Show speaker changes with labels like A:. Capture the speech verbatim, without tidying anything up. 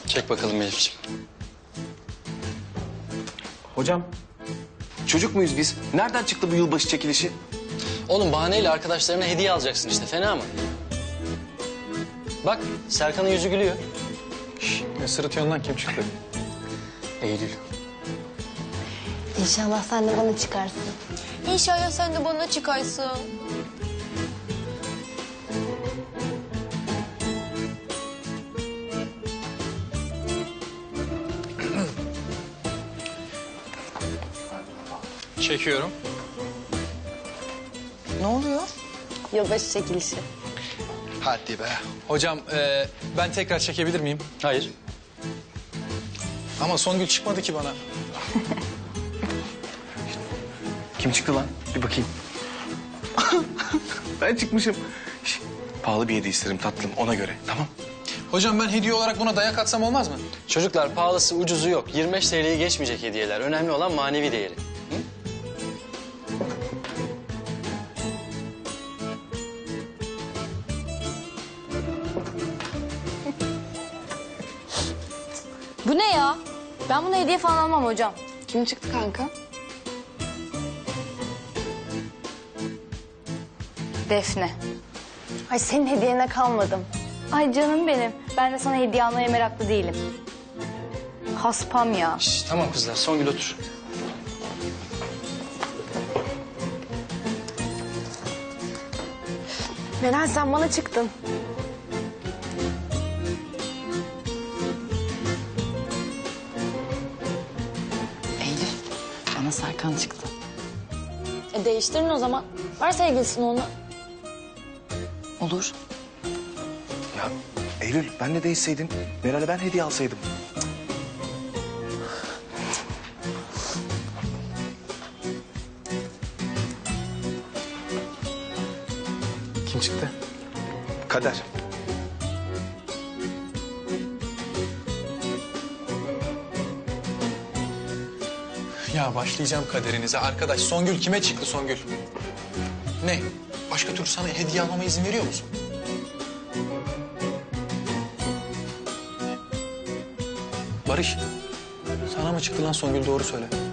A: Çek bakalım Elif'ciğim.
B: Hocam, çocuk muyuz biz? Nereden çıktı bu yılbaşı çekilişi?
A: Oğlum bahaneyle arkadaşlarına hediye alacaksın işte, fena mı? Bak Serkan'ın yüzü gülüyor.
C: Şş, ne sırıtıyorsun lan, kim çıktı?
B: Eylül.
D: İnşallah sen de bana çıkarsın.
E: İnşallah sen de bana çıkarsın.
C: Çekiyorum.
E: Ne oluyor?
D: Yılbaşı çekilişi.
C: Hadi be. Hocam e, ben tekrar çekebilir miyim?
A: Hayır.
C: Ama Songül çıkmadı ki bana.
B: Kim çıktı lan? Bir bakayım. Ben çıkmışım. Şş, pahalı bir hediye isterim tatlım, ona göre. Tamam.
C: Hocam ben hediye olarak buna dayak atsam olmaz mı?
A: Çocuklar pahalısı ucuzu yok. yirmi beş T L'yi geçmeyecek hediyeler. Önemli olan manevi değeri.
D: Bu ne ya? Ben buna hediye falan almam hocam.
E: Kim çıktı kanka?
D: Defne. Ay senin hediyene kalmadım. Ay canım benim. Ben de sana hediye almaya meraklı değilim. Haspam ya.
A: Şş, tamam kızlar, Songül otur.
D: Meral sen bana çıktın.
F: Eylül, bana Serkan çıktı.
D: E değiştirin o zaman. Ver sevgilisini onu.
F: Olur.
B: Ya Eylül, ben de değişseydim, Meral'e ben hediye alsaydım.
C: Kim çıktı?
B: Kader.
C: Ya başlayacağım kaderinize. Arkadaş Songül kime çıktı Songül? Ne? Başka türlü sana hediye almama izin veriyor musun? Barış, sana mı çıktı lan Songül, doğru söyle.